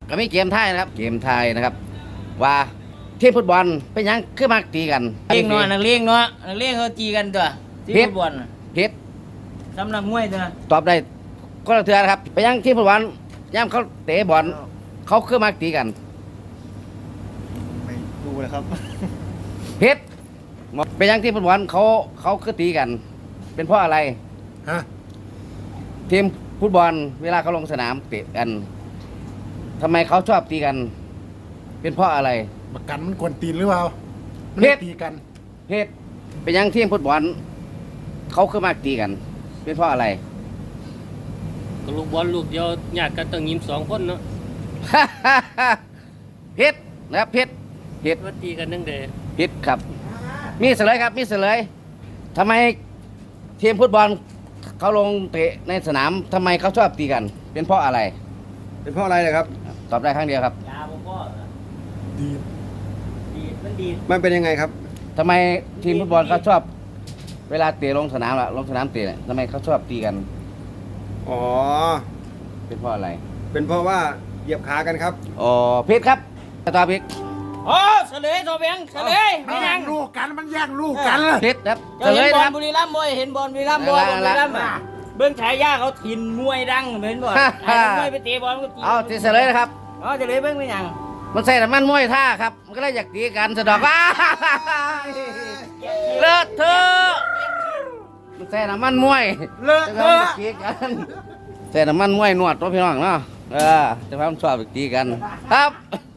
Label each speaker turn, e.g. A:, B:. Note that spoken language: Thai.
A: ก็มีเกมไทยนะครับเกมไทยนะครับว่าทีมฟุตบอลเป็นยังคือมักตีกัน
B: เลี้ยงเนาะนักเลี้ยงเนาะนักเลี้ยงเขาจีกันตัวที่ฟุตบอล
A: ผิด
B: สำนักมวยตัว
A: ตอบได้ก็ละเทือนะครับเป็นยังทีมฟุตบอลย่ำเขาเตะบอลเขาคือมักตีกัน
C: ไม่ดูเลยครับ
A: ผิดเป็นยังทีมฟุตบอลเขาคือตีกัน เป็นเพราะอะไร
C: ฮะ
A: ทีมฟุตบอลเวลาเขาลงสนามเตะกันทำไมเขาชอบตีกัน เป็นเพราะอะไร
C: ประกันมันกวนตีนหรือเปล่ามัน
A: เฮ็ด
C: ตีกัน
A: เหตุเป็นยังทีมฟุตบอลเขาคือมักตีกัน เป็นเพราะอะไร
D: ก็ลูกบอลลูกเดียวญาติกันต้องยิ้ม2 คนเนาะ
A: ผิดนะครับผิดผิด
D: ว่าตีกันนั่งเด
A: ผิดครับ มีเสลยครับมีเสลยทำไมทีมฟุตบอลเขาลงเตะในสนามทำไมเขาชอบตีกัน เป็นเพราะอะไร
E: เป็นเพราะอะไรเลยครับ
A: ตอบได้ครั้งเดียวครับ
B: ยาบ่พ่อ
C: ดี
B: ดีมันดี
E: มันเป็นยังไงครับ
A: ทำไมทีมฟุตบอลเขาชอบ เวลาเตะลงสนามล่ะลงสนามเตะเนี่ยทำไมเขาชอบตีกัน
E: อ๋อ
A: เป็นเพราะอะไร
E: เป็นเพราะว่าเหยียบขากันครับ
A: อ๋อผิดครับตอบผิด
B: โอ้เฉลยโซเบียงเฉลยไม่
C: แย่
B: ยัง
C: งลูกกันมันแย่งลูกกัน
A: ผิดครับเฉ
B: เจ้า
A: ล
B: เห็น
A: ย
B: บอ
A: นะ
B: ล
A: ครับ
B: บุรีรัมย์บ่เห็นบอลบุรีรัมย์บ่
A: ละ
B: บุรีรัมย์อะเบื้องฉายาเขาถิ่นมวยดังเห็นบ่ไอ้มวยไปเตะบอลก็ตี
A: เอาที่เฉลยนะครับ
B: อ๋อเฉลยเบื้องไม่ยัง
A: มันใส่น้ำมันมวยท่าครับ มันก็เลยอยากตีกันสะดอกว่าเลิศเธอะมันใส่น้ำมันมวย
B: เลอะ
A: จะ
B: เท
A: ทำ
B: อะ
A: ตีกันใส่น้ำมันมวยนวดตัวพี่น้องเนาะจะพามันชอบไปตีกัน ครับ